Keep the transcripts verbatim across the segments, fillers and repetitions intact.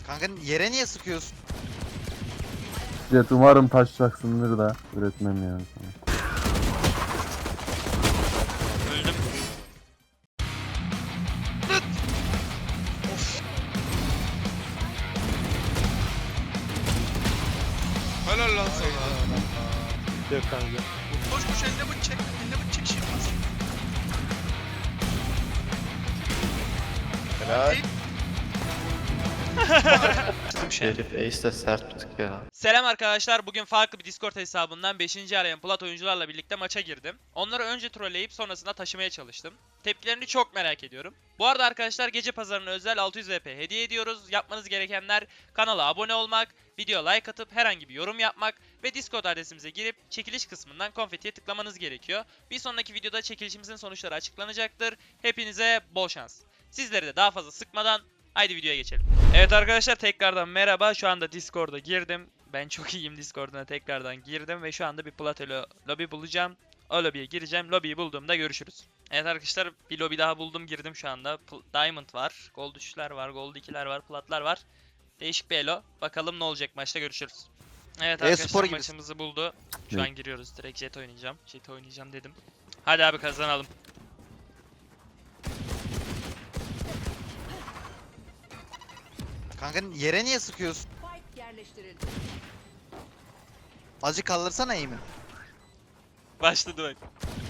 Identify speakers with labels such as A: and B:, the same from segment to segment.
A: Kanka yere niye sıkıyorsun?
B: Jet umarım taşacaksındır da üretmem yani sana.
C: Öldüm.
D: Helal lan sana.
E: Yok kanka.
D: Koş koş elde bıç çek. Elde bıç çek şimdi.
E: Helal.
F: Şerif Ace de sert tutuk ya.
C: Selam arkadaşlar. Bugün farklı bir Discord hesabından beşinci arayan plat oyuncularla birlikte maça girdim. Onları önce trolleyip sonrasında taşımaya çalıştım. Tepkilerini çok merak ediyorum. Bu arada arkadaşlar gece pazarına özel altı yüz V P hediye ediyoruz. Yapmanız gerekenler kanala abone olmak, video like atıp herhangi bir yorum yapmak ve Discord adresimize girip çekiliş kısmından konfetiye tıklamanız gerekiyor. Bir sonraki videoda çekilişimizin sonuçları açıklanacaktır. Hepinize bol şans. Sizleri de daha fazla sıkmadan haydi videoya geçelim. Evet arkadaşlar tekrardan merhaba. Şu anda Discord'a girdim. Ben çok iyiyim, Discord'una tekrardan girdim ve şu anda bir Platelo lobi bulacağım. O lobiye gireceğim. Lobiyi bulduğumda görüşürüz. Evet arkadaşlar bir lobi daha buldum, girdim şu anda. Pl Diamond var, Gold üçler var, Gold ikiler var, Platlar var. Değişik bir elo. Bakalım ne olacak, maçta görüşürüz. Evet arkadaşlar maçımızı buldu. Şu an giriyoruz. Direkt Jet oynayacağım. Jet oynayacağım dedim. Hadi abi kazanalım.
A: Kanka yere niye sıkıyorsun? Azıcık kaldırsana iyi mi?
C: Başladı bak.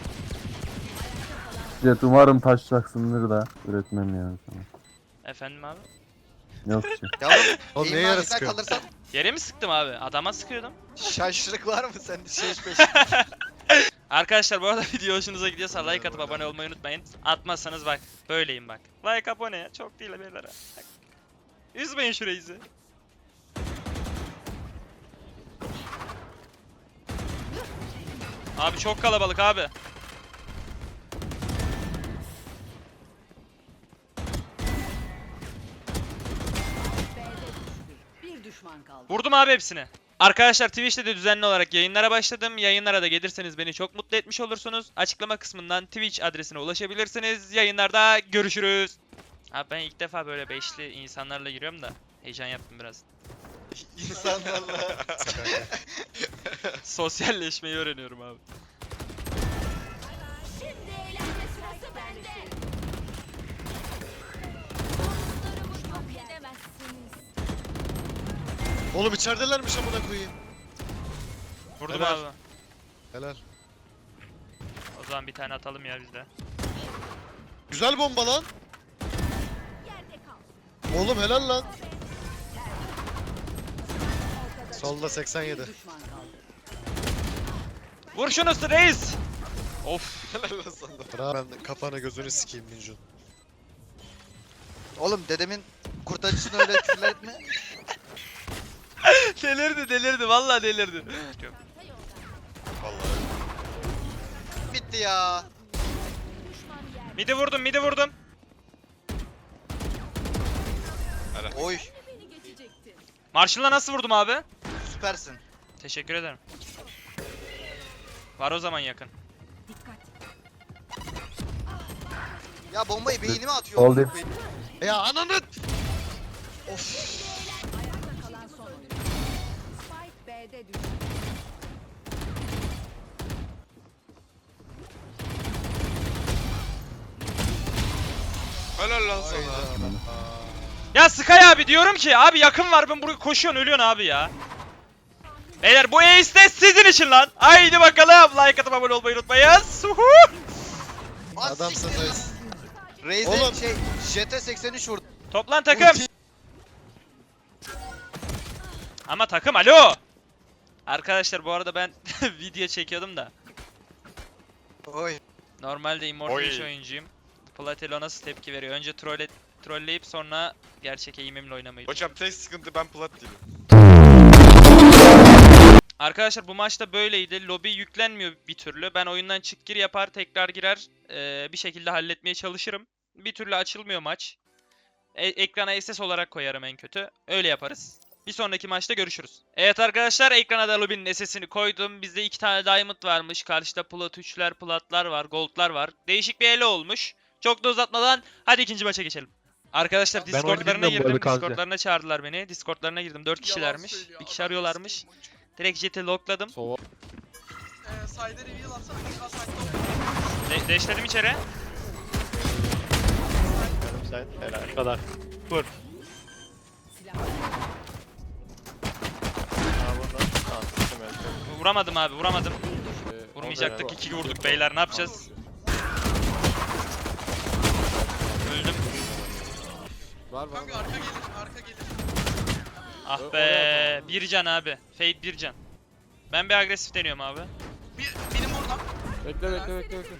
B: Jet umarım taşacaksındır da üretmem yani sana.
C: Efendim abi?
B: Yok ki.
A: Yavrum
E: Oğlum
A: iyi
E: neye
A: mi
E: yara
A: azıcık
E: sıkıyorsun?
A: kaldırsan?
C: Yere mi sıktım abi? Adama sıkıyordum.
A: Şaşırık var mı sende şey peş?
C: Arkadaşlar bu arada video hoşunuza gidiyorsa like atıp abone olmayı unutmayın. Atmazsanız bak böyleyim bak. Like abone çok değil beyler. Bak. Üzmeyin şu reisi. Abi çok kalabalık abi.
G: Bir düşman kaldı.
C: Vurdum abi hepsini. Arkadaşlar Twitch'te de düzenli olarak yayınlara başladım. Yayınlara da gelirseniz beni çok mutlu etmiş olursunuz. Açıklama kısmından Twitch adresine ulaşabilirsiniz. Yayınlarda görüşürüz. Abi ben ilk defa böyle beşli insanlarla giriyorum da heyecan yaptım biraz.
A: İnsanlarla.
C: Sosyalleşmeyi öğreniyorum abi.
G: Şimdi eğlence sırası bende. Dostlarımı yok edemezsiniz.
E: Oğlum içeridelermiş amına koyayım.
C: Vurdum
E: Helal.
C: abi.
E: Helal.
C: O zaman bir tane atalım ya biz de.
E: Güzel bomba lan.
G: Yerde kal.
E: Oğlum helal lan. Solda seksen yedi.
G: Bir düşman kaldı.
C: Vur şunu reis. Of.
E: Helal lan sana. Bravo. Ben kafanı gözünü sikeyim Minjun.
A: Oğlum dedemin kurtarıcısını öyle küfürler etme.
C: delirdi delirdi vallahi delirdi.
E: Vallahi.
A: Bitti ya.
C: Midi vurdum midi vurdum.
A: Oy
C: Marshall'la nasıl vurdum abi?
A: süpersin.
C: Teşekkür ederim. Var o zaman yakın.
A: Ya bombayı beynime atıyor.
B: Oldu.
A: amına koyayım.
E: Ya ananı.
A: Of.
G: Ayakta kalan son oyuncu. Spike B'de düştü.
D: Helal lan sana.
E: Hayda.
C: Ya Sky abi diyorum ki abi yakın var, ben buraya koşuyorsun ölüyorsun abi ya. Beyler bu ace de sizin için lan. Haydi bakalım, like atıp abone olmayı unutmayın. Suhu.
A: Az
E: Adamsın
A: siktir lan.
E: reis.
A: Raze'e
E: Oğlum.
A: şey Jet'e seksen üç vurdu.
C: Toplan takım. Ama takım alo. Arkadaşlar bu arada ben video çekiyordum da.
A: Oy.
C: Normalde Immortal
D: Oy.
C: üç oyuncuyum. Platelo nasıl tepki veriyor? Önce troll trolleyip sonra gerçek eğimimle oynamayı.
D: Hocam tek sıkıntı ben plat değilim.
C: Arkadaşlar bu maçta böyleydi. Lobi yüklenmiyor bir türlü. Ben oyundan çık gir yapar, tekrar girer. Ee, bir şekilde halletmeye çalışırım. Bir türlü açılmıyor maç. E ekrana S S olarak koyarım en kötü. Öyle yaparız. Bir sonraki maçta görüşürüz. Evet arkadaşlar, ekrana da lobinin S S'ini koydum. Bizde iki tane diamond varmış. Karşıda plat üçler, platlar var, goldlar var. Değişik bir ele olmuş. Çok da uzatmadan hadi ikinci maça geçelim. Arkadaşlar
H: Ben oyunu
C: Discord'larına
H: bilmiyorum bu
C: girdim.
H: arada kanka.
C: Discord'larına çağırdılar beni. Discord'larına girdim. dört kişilermiş. Bir kişi arıyorlarmış. Direkt Jet'i lokladım.
D: Eee side'e reveal atsana. Sağ side'da
C: De deşledim içeri.
F: Yarım side. Helal.
H: Bu kadar. Vur.
G: Silah.
F: Aa bundan. Aa tuttum evet.
C: Vuramadım abi, vuramadım.
F: Ee,
C: Vurmayacaktık.
F: o da-
C: iki vurduk beyler. Ne yapacağız? Öldüm.
D: Kanka arka gelir. Arka gelir.
C: Ah be. Bir can abi. Fade bir can. Ben bir agresif deniyorum abi.
D: Bir, benim oradan.
I: Bekle bekle bekle bekle.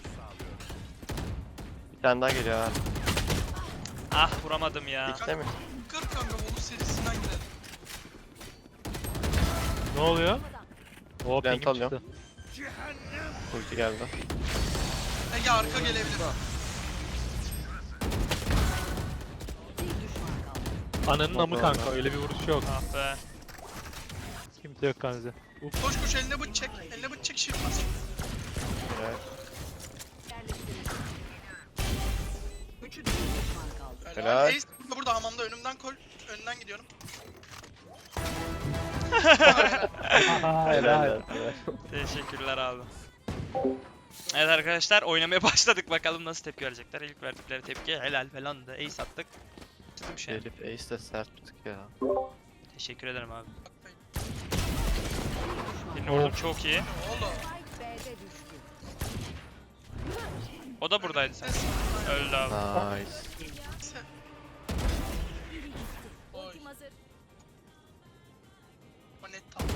F: Bir tane daha geliyor ha.
C: Ah vuramadım ya.
F: İkide mi?
D: Kır kanka Volus serisinden gidelim.
H: Ne oluyor? O
F: Ben
H: pingim
F: tanıyorum.
H: çıktı.
F: Ulti geldi.
D: Ege arka gelebilir.
G: Bir düşman kaldı.
H: Ananın amı
F: Vallahi
H: kanka
F: ben-
H: öyle bir vuruş yok.
C: Ah be.
H: Kimse yok kanka.
D: Koş koş eline bıç çek. Eline bıç çek shield bas.
F: Helal.
G: Yerleştirildi. Üçü de bir düşman kaldı.
F: Helal.
D: Ace burada, burada hamamda önümden kol. Önünden gidiyorum.
F: Helal.
C: Teşekkürler abi. Evet arkadaşlar oynamaya başladık. Bakalım nasıl tepki verecekler. İlk verdikleri tepki helal falan da ace attık. Çizdim şey.
F: Şerif Ace de sert bir tık ya.
C: Teşekkür ederim abi. Birini vurdum çok iyi.
D: Oğlum.
G: Spike B'de düştü.
C: O da buradaydı sen. Öldü abi.
F: Nice.
D: Sen- Oy.
G: Ultim hazır.
D: O net tam.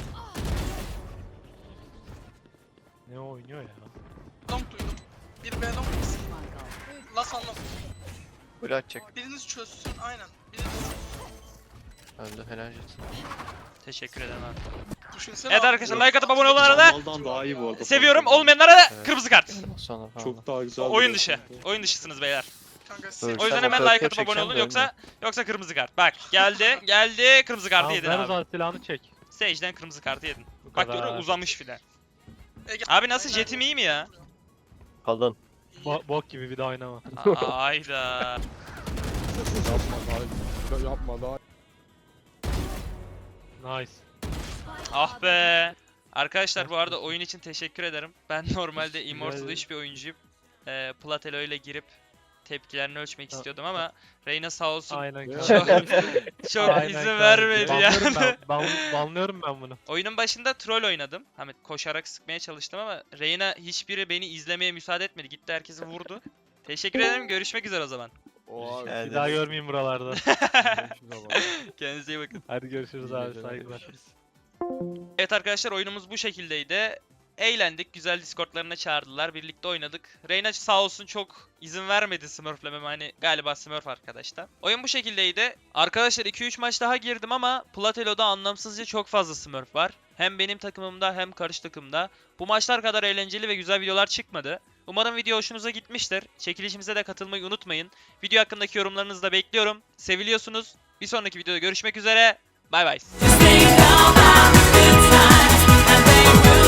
H: Ne oynuyor ya?
D: Long duydum. Bir B long.
G: Düşman kaldı.
D: Las anlam.
F: Ulti atacak.
D: Biriniz çözsün aynen. Biriniz
F: Öldü helal jet.
C: Teşekkür ederim abi.
D: düşünsene.
C: Evet
D: abi.
C: arkadaşlar like atıp abone olun arada.
I: Maldan daha iyi bu arada.
C: Seviyorum. Olmayanlara da
F: Evet.
C: kırmızı kart.
F: Sonra falan.
I: Çok daha güzel.
C: Oyun
I: bir
C: dışı.
I: kanka.
C: Oyun dışısınız beyler.
D: Kanka
F: Dur,
D: sen.
C: O yüzden
F: sen
C: hemen
F: fotoğraf
C: like atıp abone
F: çekeceksin
C: olun
F: de
C: yoksa yoksa kırmızı kart. Bak geldi geldi kırmızı kartı
H: Tamam
C: yedin
H: ver o
C: abi.
H: zaman silahını çek.
C: Sage'den kırmızı kartı yedin.
H: Bu
C: Bak
H: kadar.
C: görüyor uzamış filan.
D: Ege-
C: Abi nasıl
D: Aynen.
C: jetim iyi mi ya?
F: Kalın.
H: Bo bok gibi bir daha oynama.
C: Aa, Ayda.
I: Yapma daha. Yapma daha.
H: Nice.
C: Ah be. Arkadaşlar bu arada oyun için teşekkür ederim. Ben normalde Immortal
H: ederim.
C: üç bir oyuncuyum. Ee, Platelo ile girip tepkilerini ölçmek
H: Ha.
C: istiyordum ama Reyna sağ olsun
H: Aynen
I: Ya.
H: kanka.
C: çok, çok
H: Aynen
C: izin
H: kanka.
C: vermedi
H: Banlıyorum
C: yani.
H: ben, ban, banlıyorum ben bunu.
C: Oyunun başında troll oynadım. Hani koşarak sıkmaya çalıştım ama Reyna hiçbiri beni izlemeye müsaade etmedi. Gitti herkesi vurdu. Teşekkür ederim. Görüşmek üzere o zaman.
I: Oha.
F: Rica
H: Bir daha görmeyeyim buralarda.
C: Kendinize iyi bakın.
H: Hadi görüşürüz
I: İyi
H: abi
I: geceler.
H: saygılar.
C: Evet arkadaşlar oyunumuz bu şekildeydi. Eğlendik. Güzel Discord'larına çağırdılar. Birlikte oynadık. Reyna sağ olsun çok izin vermedi Smurf'lememe. Hani galiba Smurf arkadaşta. Oyun bu şekildeydi. Arkadaşlar iki üç maç daha girdim ama Platelo'da anlamsızca çok fazla Smurf var. Hem benim takımımda hem karşı takımda. Bu maçlar kadar eğlenceli ve güzel videolar çıkmadı. Umarım video hoşunuza gitmiştir. Çekilişimize de katılmayı unutmayın. Video hakkındaki yorumlarınızı da bekliyorum. Seviliyorsunuz. Bir sonraki videoda görüşmek üzere. Bay bay.
J: Stay down, have a good time, and they will